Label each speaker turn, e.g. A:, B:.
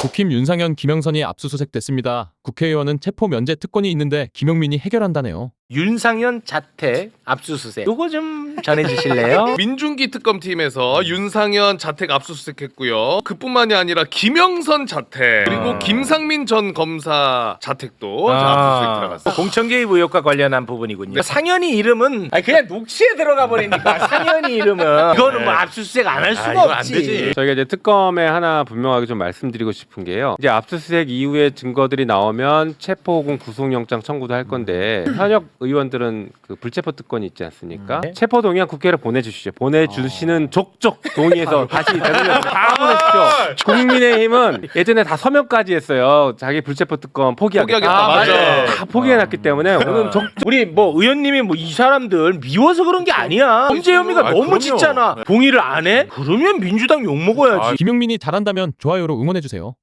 A: 국힘 윤상현, 김영선이 압수수색됐습니다. 국회의원은 체포 면제 특권이 있는데 김용민이 해결한다네요.
B: 윤상현 자택 압수수색. 요거 좀 전해주실래요?
C: 민중기 특검팀에서 윤상현 자택 압수수색했고요. 그뿐만이 아니라 김영선 자택 그리고 김상민 전 검사 자택도 압수수색 들어갔어요.
B: 공천 개입 의혹과 관련한 부분이군요. 상현이 이름은 그냥 녹취에 들어가 버리니까 상현이 이름은 이거는 뭐 압수수색 안 할 수가 없지.
D: 안 되지. 저희가 이제 특검에 하나 분명하게 좀 말씀드리고 싶은 게요. 이제 압수수색 이후에 증거들이 나오면 체포 혹은 구속영장 청구도 할 건데 현역 의원들은 그 불체포 특권이 있지 않습니까? 체포 동의안 국회로 보내주시죠. 보내주시는 족족 동의해서 다시 대통령 다 보내십시오. 국민의힘은 예전에 다 서명까지 했어요. 자기 불체포 특권 포기하겠다.
C: 맞아.
D: 다 포기해놨기 때문에 오늘 족족
B: 우리 뭐 의원님이 뭐 이 사람들 미워서 그런 게 아니야. 범죄 혐의가 너무
C: 그럼요.
B: 짙잖아. 동의를 안 해? 그러면 민주당 욕 먹어야지.
A: 김용민이 잘한다면 좋아요로 응원해주세요.